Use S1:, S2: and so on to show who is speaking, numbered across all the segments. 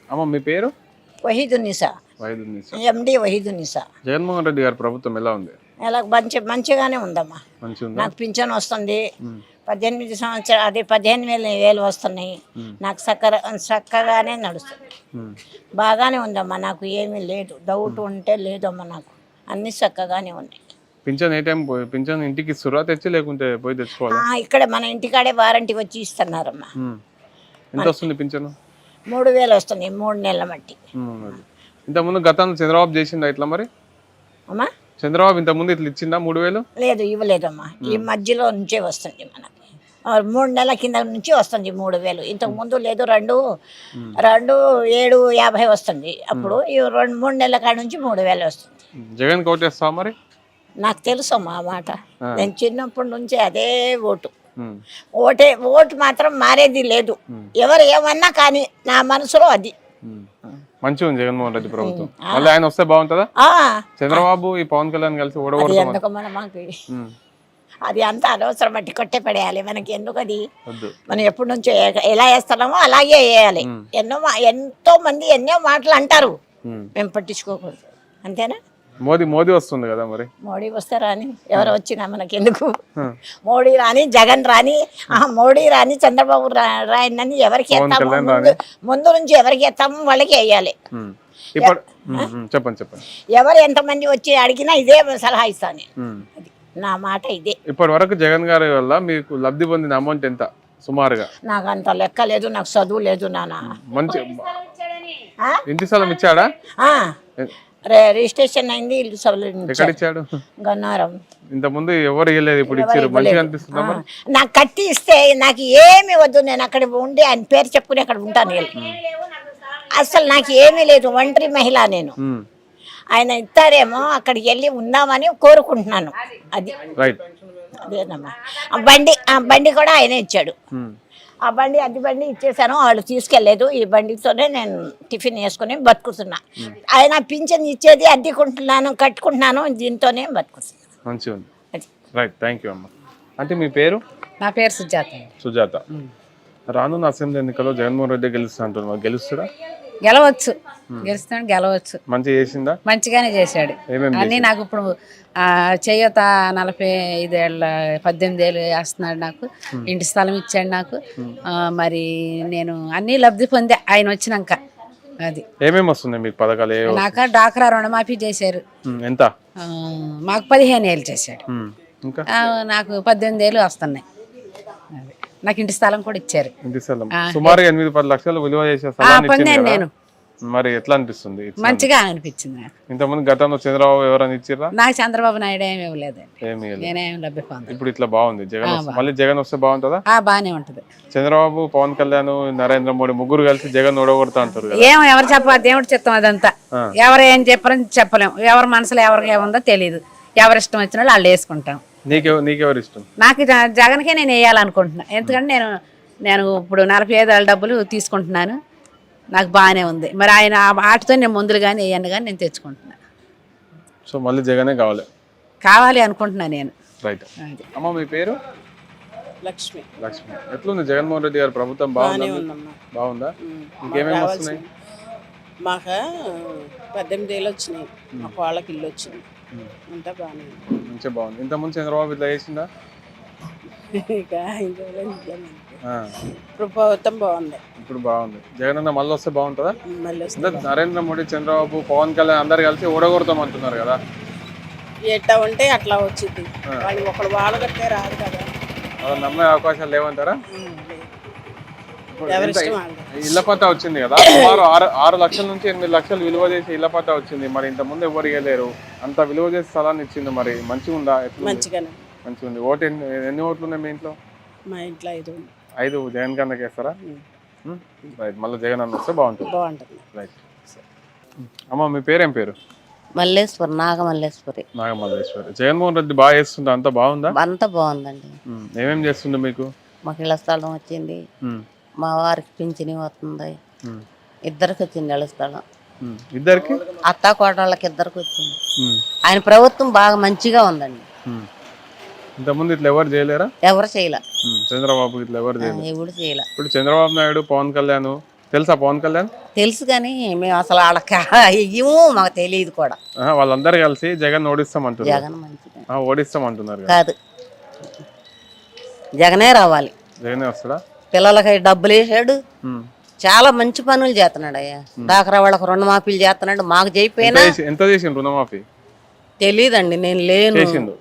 S1: అమ్మ మీ పేరు?
S2: వహీదున్నిసా,
S1: వైద్యునిసా.
S2: ఎండి వహీదున్నిసా.
S1: జగన్మోహన్ రెడ్డి గారి ప్రభుత్వం ఎలా ఉంది?
S2: ఎలా మంచిగానే ఉందమ్మా.
S1: మంచిగా ఉందా?
S2: నాకు పింఛన్ వస్తుంది, 18 సంవత్సరాలు అది 15,000 వస్తున్నాయి. నాకు చక్కగానే నడుస్తుంది, బాగానే ఉందమ్మా. నాకు ఏమీ లేదు, డౌట్ ఉంటే లేదమ్మా. నాకు అన్ని చక్కగానే ఉన్నాయి.
S1: పింఛన్ ఏ టైం పింఛన్ ఇంటికి ఇస్తురా తెచ్చి లేకుంటే పోయి తెచ్చుకోవాలా?
S2: ఇక్కడ మన ఇంటికాడే వారంటీ వచ్చి ఇస్తున్నారమ్మా.
S1: ఎంత వస్తుంది పింఛను?
S2: 3,000 వస్తుంది 3 నెలల మట్టి.
S1: ఇంతకుముందు గతంలో చంద్రబాబు చేసిందా ఇట్లా మరి?
S2: అమ్మా
S1: చంద్రబాబు ఇంతకుముందు ఇట్లా ఇచ్చిందా 3,000?
S2: లేదు, ఇవ్వలేదమ్మా. ఈ మధ్యలో నుంచే వస్తుంది మనకి. 3 నెలల కింద నుంచి వస్తుంది 3,000. ఇంతకు ముందు లేదు, 2,750 వస్తుంది. అప్పుడు ఈ 2-3 నెలల కాడ నుంచి 3,000 వస్తుంది.
S1: జగన్ కోటేస్తావా మరి?
S2: నాకు తెలుసమ్మా ఆ మాట. నేను చిన్నప్పటి నుంచి అదే ఓటు. ఓటు మాత్రం మారేది లేదు. ఎవరు ఏమన్నా కానీ నా మనసులో అది.
S1: మంచిగా ఉంది జగన్మోహన్ రెడ్డి ప్రభుత్వం. మళ్ళీ ఆయన వస్తే బాగుంటుందా? చంద్రబాబు ఈ పవన్ కళ్యాణ్ కలిసి
S2: ఎందుకు మనకి అది అంత అనవసరం, బట్టి కొట్టే పడేయాలి. మనకి ఎందుకు అది? మనం ఎప్పటి నుంచో ఎలా వేస్తున్నామో అలాగే వేయాలి. ఎంతో మంది ఎన్నో మాటలు అంటారు, మేము పట్టించుకోకూడదు. అంతేనా?
S1: మోదీ వస్తుంది కదా మరి.
S2: మోడీ వస్తే రాని, ఎవరు వచ్చినా మనకి ఎందుకు? మోడీ రాని, జగన్ రాని, మోడీ రాని, చంద్రబాబు రాయని ఎవరికి ఎత్తాము? ముందు నుంచి ఎవరికి ఎత్తాము వాళ్ళకి వేయాలి.
S1: చెప్పండి చెప్పండి.
S2: ఎవరు ఎంతమంది వచ్చి అడిగినా ఇదే సలహా ఇస్తాను. నా మాట ఇదే.
S1: ఇప్పటి వరకు జగన్ గారి వల్ల మీకు లబ్ధి పొందిన అమౌంట్ ఎంత సుమారుగా?
S2: నాకు అంత లెక్క లేదు, నాకు చదువు లేదు నాన్న.
S1: మంచి ఇంటి స్థలం ఇచ్చాడా?
S2: రిజిస్ట్రేషన్ అయింది, ఇల్లు
S1: ఎక్కడ ఇచ్చాడు?
S2: గన్నారం.
S1: ఇంత ముందు ఎవరు ఇవ్వలేదు, ఇప్పుడు ఇచ్చారు. మంచిగా అనిపిస్తుందా?
S2: నాకు కట్టి ఇస్తే నాకు ఏమి వద్దు, నేను అక్కడ ఉండి ఆయన పేరు చెప్పుకుని అక్కడ ఉంటాను. అసలు నాకు ఏమీ లేదు, ఒంటరి మహిళ నేను. ఆయన ఇస్తారేమో అక్కడికి వెళ్ళి ఉందామని కోరుకుంటున్నాను. అది అదేనమ్మా. ఆ బండి కూడా ఆయనే ఇచ్చాడు. ఆ బండి అద్దె బండి ఇచ్చేసాను, వాళ్ళు తీసుకెళ్లేదు. ఈ బండితోనే నేను టిఫిన్ వేసుకుని బతుకుతున్నా. ఆయన పింఛన్ ఇచ్చేది అద్దెకుంటున్నాను, కట్టుకుంటున్నాను, దీంతోనే బతుకుతున్నాను.
S1: మంచిగా ఉంది. రైట్, థ్యాంక్ యూ అమ్మ. అంటే మీ పేరు?
S2: నా పేరు సుజాత.
S1: సుజాత. రానున్న అసెంబ్లీ ఎన్నికల్లో జగన్మోహన్ రెడ్డి గెలుస్తా అంటున్నారు, గెలుస్తాడా?
S3: గెలవచ్చు, గెలుస్తాడు, గెలవచ్చు.
S1: మంచిగా చేసిందా?
S3: మంచిగానే చేశాడు అన్ని. నాకు ఇప్పుడు చేయూత 45 ఏళ్ళ 18 ఏళ్ళు వేస్తున్నాడు. నాకు ఇంటి స్థలం ఇచ్చాడు నాకు. మరి నేను అన్ని లబ్ధి పొందే ఆయన వచ్చినాక. అది
S1: ఏమేమి వస్తుంది మీకు పథకాలు?
S3: నాకు డాక్రా రుణమాఫీ చేశారు.
S1: ఎంత?
S3: మాకు 15 ఏళ్ళు చేశాడు. నాకు 18 ఏళ్ళు వస్తున్నాయి. నాకు ఇంటి స్థలం కూడా ఇచ్చారు.
S1: ఇంటి స్థలం సుమారుగా 8-10 లక్షలు విలువ చేసే
S3: పొందాను నేను.
S1: మరి ఎట్లా అనిపిస్తుంది?
S3: మంచిగా అనిపించింది నాకు.
S1: ఇంతకుముందు గతంలో చంద్రబాబు ఎవరైనా ఇచ్చిరా?
S3: నాకు చంద్రబాబు నాయుడు ఏమి ఇవ్వలేదండి, నేనేం లబ్ధి పొందాను.
S1: ఇప్పుడు ఇట్లా బాగుంది. జగన్ మళ్ళీ జగన్ వస్తే బాగుంటుందా?
S3: బాగానే ఉంటది.
S1: చంద్రబాబు, పవన్ కళ్యాణ్, నరేంద్ర మోడీ ముగ్గురు కలిసి జగన్ ఓడగొడతా అంటారు.
S3: ఎవరు చెప్పాలి? దేవుడు చెప్తాం అదంతా. ఎవరు ఏం చెప్పారని చెప్పలేము. ఎవరి మనసులో ఎవరికి ఏముందో తెలియదు. ఎవరి ఇష్టం వచ్చిన వాళ్ళు వేసుకుంటాం.
S1: నీకెవరు ఇష్టం?
S3: నాకు జగన్కే నేను వేయాలనుకుంటున్నాను. ఎందుకంటే నేను ఇప్పుడు 45 ఏళ్ళ డబ్బులు తీసుకుంటున్నాను. నాకు బాగానే ఉంది. మరి ఆయన ఆటతో నేను ముందులు కానీ వేయను కానీ నేను తెచ్చుకుంటున్నాను.
S1: సో మళ్ళీ జగనే
S3: కావాలి అనుకుంటున్నాను నేను.
S1: రైట్. అమ్మ మీ పేరు?
S4: లక్ష్మి.
S1: లక్ష్మి. ఎట్లుంది జగన్మోహన్ రెడ్డి గారి ప్రభుత్వం? బాగుందా? ఇంకేమేమి వస్తున్నాయి?
S4: మాకు 18 ఏళ్ళు వచ్చినాయి, మాకు వాళ్ళకి ఇల్లు వచ్చింది, అంతా బాగానే
S1: మంచిగా బాగుంది. ఇంతకుముందు చంద్రబాబు ఇట్లా చేసిందా?
S4: ఇప్పుడు ప్రభుత్వం బాగుంది.
S1: ఇప్పుడు బాగుంది. జగన్ అన్న మళ్ళీ వస్తే బాగుంటుందా? నరేంద్ర మోడీ, చంద్రబాబు, పవన్ కళ్యాణ్ అందరు కలిసి ఓడగొడతాం అంటున్నారు కదా.
S4: ఎట్లా ఉంటే అట్లా వచ్చింది. వాళ్ళు ఒకడు వాళ్ళు కట్టే రాదు కదా,
S1: అలా నమ్మే అవకాశాలు లేవంటారా? ఇళ్ల పట్టా వచ్చింది కదా, సుమారు 6 లక్షల నుంచి 8 లక్షలు విలువ చేసి ఇళ్ల పట్టా వచ్చింది. మరి ఇంత ముందు ఎవరు ఇవ్వలేరు, అంత విలువ చేసి స్థలాన్ని ఇచ్చింది. మరి మంచిగా ఉందా?
S4: మంచిగానే
S1: మంచిగా ఉంది. ఓటు ఎన్ని ఓట్లు ఉన్నాయి మీ ఇంట్లో?
S4: మా ఇంట్లో
S1: 5. జగన్ కన్నా వేస్తారా? రైట్, మళ్ళీ జగన్ అన్న వస్తే బాగుంటుంది. రైట్. అమ్మ మీ పేరేం పేరు?
S5: మల్లేశ్వరి, నాగమల్లేశ్వరి.
S1: నాగమల్లేశ్వరి. జగన్మోహన్ రెడ్డి బాగా చేస్తుందా? అంతా బాగుందా?
S5: అంతా బాగుందండి.
S1: ఏమేమి చేస్తుండే మీకు?
S5: మాకు ఇళ్ల స్థలం వచ్చింది, మా వారికి పింఛని వస్తుంది, ఇద్దరికి వచ్చింది ఇళ్ల స్థలం.
S1: ఇద్దరికి?
S5: అత్తా కోడళ్ళకి ఇద్దరికి వచ్చింది. ఆయన ప్రభుత్వం బాగా మంచిగా ఉందండి.
S1: ఇంతకుముందు ఇట్లా ఎవరు చేయలేరా?
S5: ఎవరు చేయలే.
S1: చంద్రబాబు ఇట్లా ఎవరు చేయలేదు.
S5: ఎవరు చేయలే.
S1: ఇప్పుడు చంద్రబాబు నాయుడు, పవన్ కళ్యాణ్ తెలుసా పవన్ కళ్యాణ్?
S5: తెలుసు కానీ మేము అసలు వాళ్ళకి ఇయ్యము, మాకు తెలియదు కూడా.
S1: వాళ్ళందరూ కలిసి జగన్ ఓడిస్తామంటున్నారు.
S5: జగన్ మంచిగా
S1: ఓడిస్తామంటున్నారు కదా.
S5: కాదు, జగనే రావాలి.
S1: జగనే వస్తాడా?
S5: పిల్లలకి డబ్బులు వేసాడు, చాలా మంచి పనులు చేస్తున్నాడు అయ్యా. డాక్రా వాళ్ళకి రుణమాఫీలు చేస్తున్నాడు. మాకు చేయిపోయినా
S1: ఎంత చేసిండు రుణమాఫీ?
S5: తెలీదండి, నేను లేను.
S1: చేసిండు.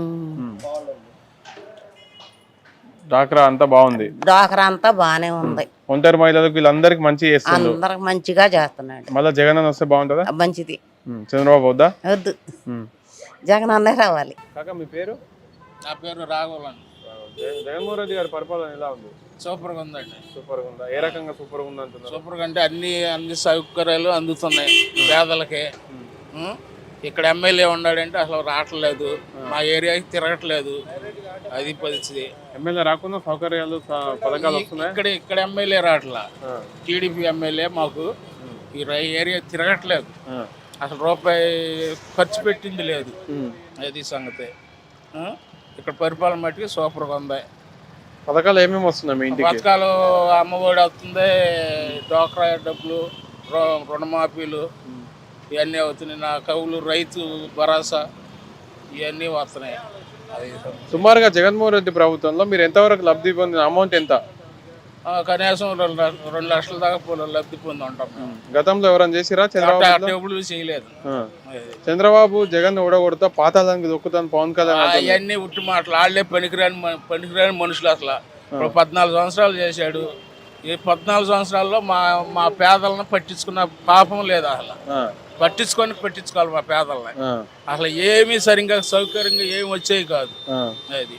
S1: డాక్రా అంతా బాగుంది.
S5: డాక్రా అంతా బానే ఉంది.
S1: ఒంటరి మహిళలకు వీళ్ళందరికి మంచి చేస్తుంది.
S5: అందరికి మంచిగా చేస్తున్నాడు.
S1: మళ్ళీ జగన్ అన్న వస్తే బాగుంటుందా?
S5: మంచిది.
S1: చంద్రబాబు వద్దా?
S5: వద్దు, జగన్ అన్నే రావాలి.
S1: కాకా మీ పేరు?
S6: నా పేరు రాఘవన్.
S1: జగన్మోహన్ రెడ్డి గారి పరిపాలన ఎలా ఉంది?
S6: సూపర్గా ఉందండి.
S1: సూపర్గా ఉందా? ఏ రకంగా సూపర్గా ఉంది అంటున్నారు?
S6: సూపర్గా అంటే అన్ని సౌకర్యాలు అందుతున్నాయి పేదలకి. ఇక్కడ ఎమ్మెల్యే ఉన్నాడంటే అసలు రావట్లేదు, మా ఏరియాకి తిరగట్లేదు, అది పరిస్థితి.
S1: ఎమ్మెల్యే రాకుండా సౌకర్యాలు పథకాలు వస్తున్నాయి.
S6: ఇక్కడ ఎమ్మెల్యే రావట్లా, టీడీపీ ఎమ్మెల్యే మాకు ఈ ఏరియా తిరగట్లేదు, అసలు రూపాయి ఖర్చు పెట్టింది లేదు. అది సంగతి. ఇక్కడ పరిపాలన మట్టికి సూపర్గా ఉంది.
S1: పథకాలు ఏమేమి వస్తున్నాయి మీ ఇంటికి?
S6: పథకాలు అమ్మఒడి వస్తుంది, డోక్రా డబ్బులు, రుణమాఫీలు ఇవన్నీ అవుతున్నాయి. నా కవులు, రైతు భరోసా ఇవన్నీ వస్తున్నాయి. అది
S1: సుమారుగా జగన్మోహన్ రెడ్డి ప్రభుత్వంలో మీరు ఎంతవరకు లబ్ధి పొందిన అమౌంట్ ఎంత?
S6: కనీసం 2 లక్షల దాకా లబ్ధి పొంది ఉంటాం.
S1: గతంలో ఎవరైనా చేసిరా? చంద్రబాబు
S6: ఎప్పుడు చేయలేదు.
S1: చంద్రబాబు జగన్ ఓడగొడతా పాతాళానికి దొక్కుతాను పవన్ కళ్యాణ్
S6: అవన్నీ ఉట్టి మాటలు. వాళ్ళే పనికిరాని మనుషులు. అసలు ఇప్పుడు 14 సంవత్సరాలు చేశాడు. ఈ 14 సంవత్సరాల్లో మా పేదలను పట్టించుకున్న పాపం లేదు. అసలు పట్టించుకోవాలి మా పేదలని. అసలు ఏమీ సరిగ్గా సౌకర్యంగా ఏమి వచ్చేవి కాదు. అది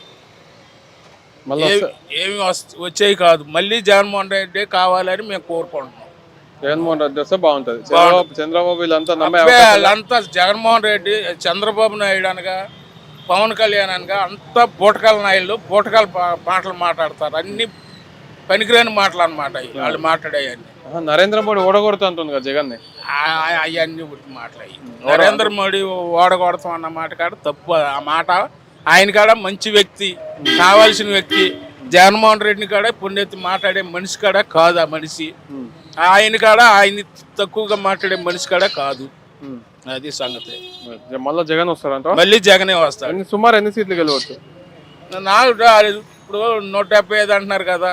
S6: ఏమి వచ్చేవి కాదు. మళ్ళీ జగన్మోహన్ రెడ్డి కావాలని మేము కోరుకుంటున్నాం.
S1: జగన్మోహన్ రెడ్డి వస్తే బాగుంటది. చంద్రబాబు
S6: వీళ్ళంతా జగన్మోహన్ రెడ్డి, చంద్రబాబు నాయుడు అనగా, పవన్ కళ్యాణ్ అనగా అంతా బూటకాల నాయుళ్ళు బూటకాల మాటలు మాట్లాడతారు. అన్ని పనికిరాని మాటలు అన్నమాట వాళ్ళు మాట్లాడేవన్నీ.
S1: నరేంద్ర మోడీ ఓడగొడతా అంటుంది కదా జగన్.
S6: అవన్నీ ఉట్టి మాట్లాడి నరేంద్ర మోడీ ఓడగొడతాం అన్న మాట కాడ తప్పు. ఆ మాట ఆయన కాడ మంచి వ్యక్తి, కావాల్సిన వ్యక్తి. జగన్మోహన్ రెడ్డిని కాడ పుణ్యతి మాట్లాడే మనిషి కాడ కాదు ఆ మనిషి. ఆయన కాడ ఆయన తక్కువగా మాట్లాడే మనిషి కాడ కాదు. అది సంగతి.
S1: మళ్ళీ జగన్ వస్తారంట?
S6: మళ్ళీ జగనే వస్తాడు.
S1: సుమారు ఎన్ని సీట్లు గెలవచ్చు?
S6: నాకు ఇప్పుడు 175 అంటున్నారు కదా,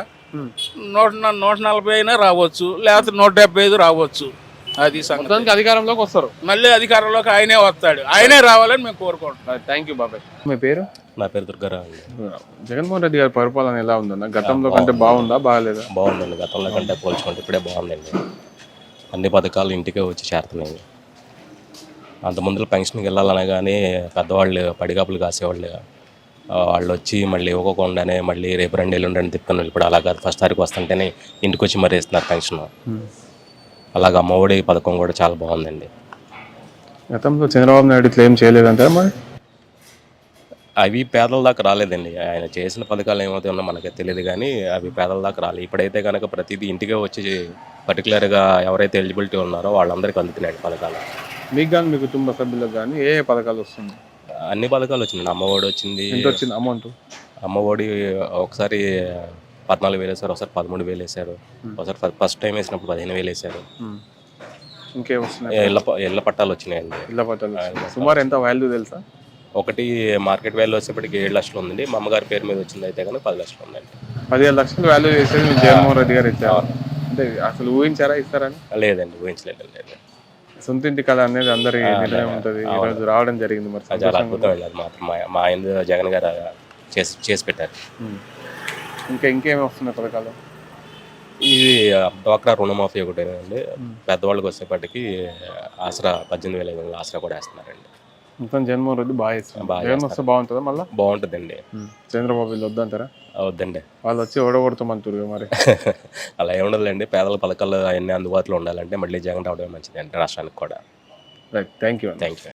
S6: 140 అయినా రావచ్చు, లేకపోతే 175 రావచ్చు. అది సంగతి.
S1: అధికారంలోకి వస్తారు.
S6: మళ్ళీ అధికారంలోకి ఆయనే వస్తాడు. ఆయనే రావాలని మేము కోరుకుంటున్నాం.
S1: థ్యాంక్ యూ బాబాయ్. మీ పేరు?
S7: నా పేరు దుర్గారావు అండి.
S1: జగన్మోహన్ రెడ్డి గారి పరిపాలన ఎలా ఉందన్న? గతంలో కంటే బాగుందా బాగాలేదా?
S7: బాగుందండి. గతంలో కంటే పోల్చుకుంటే ఇప్పుడే బాగుందండి. అన్ని పథకాలు ఇంటికే వచ్చి చేరుతున్నాయి. అంత ముందులో పెన్షన్కి వెళ్ళాలనే కానీ పెద్దవాళ్ళు పడిగాపులు కాసేవాళ్ళు, వాళ్ళు వచ్చి మళ్ళీ ఇవ్వకుండానే మళ్ళీ రేపు 2 ఎల్లుండి తిప్పుకొని ఇప్పుడు అలా కాదు. ఫస్ట్ తారీఖు వస్తుంటేనే ఇంటికి వచ్చి మరీ ఇస్తున్నారు పెన్షన్. అలాగే అమ్మఒడి పథకం కూడా చాలా బాగుందండి.
S1: గతంలో చంద్రబాబు నాయుడు ఇట్లా ఏం చేయలేదంటారా మరి?
S7: అవి పేదల దాకా రాలేదండి. ఆయన చేసిన పథకాలు ఏమవుతాయో మనకి తెలియదు కానీ అవి పేదల దాకా రాలేదు. ఇప్పుడైతే కనుక ప్రతిదీ ఇంటికే వచ్చి పర్టికులర్గా ఎవరైతే ఎలిజిబిలిటీ ఉన్నారో వాళ్ళందరికీ అందుతున్నాయి పథకాలు.
S1: మీకు కానీ మీ కుటుంబ సభ్యులకు కానీ ఏ పథకాలు వస్తుంది?
S7: అన్ని పథకాలు వచ్చింది. అమ్మఒడి వచ్చింది.
S1: ఎంత వచ్చింది అమౌంట్?
S7: అమ్మఒడి ఒకసారి 14,000 వేసారు, ఒకసారి 13,000 వేసారు, ఒకసారి ఫస్ట్ టైం వేసినప్పుడు 15,000 వేసారు.
S1: ఇంకేం వస్తున్నాయి?
S7: ఇళ్ళ పట్టాలు వచ్చినాయండి.
S1: ఇళ్ళ పట్టాలు సుమారు ఎంత వాల్యూ తెలుసా?
S7: ఒకటి మార్కెట్ వాల్యూ వచ్చేప్పటికి 7 లక్షలు ఉందండి. మా అమ్మగారి పేరు మీద వచ్చింది అయితే కానీ 10 లక్షలు ఉందండి.
S1: 15 లక్షలు వాల్యూ చేసేది జగన్మోహన్ రెడ్డి గారు ఇచ్చారు. అంటే అసలు ఊహించారా ఇస్తారని?
S7: లేదండి, ఊహించలేదు.
S1: సొంత ఇంటి కళ అనేది అందరి నిర్ణయం ఉంటుంది. ఈరోజు రావడం జరిగింది. మరి
S7: చాలా అద్భుతం వెళ్ళాలి మాత్రం. మా ఆయన జగన్ గారు చేసి పెట్టారు.
S1: ఇంకేమి వస్తున్నాయి పథకాలు?
S7: ఇది డ్వాక్రా రుణమాఫీ ఒకటేనండి. పెద్దవాళ్ళకి వచ్చేప్పటికి ఆసరా 18,500 ఆసరా కూడా వేస్తున్నారండి.
S1: మొత్తం జగన్మోహన్ రెడ్డి బాగా ఇస్తున్నారు. జగన్ వస్తే బాగుంటుందా? మళ్ళీ
S7: బాగుంటుందండి.
S1: చంద్రబాబు వీళ్ళు వద్దంటారా?
S7: వద్దండి,
S1: వాళ్ళు వచ్చి ఓడగొడతామంటారు మరి.
S7: అలా ఏముండదులేండి. పేదల పథకాలు అవన్నీ అందుబాటులో ఉండాలంటే మళ్ళీ జగన్ రావడమే మంచిది అండి రాష్ట్రానికి కూడా.
S1: Right, thank you.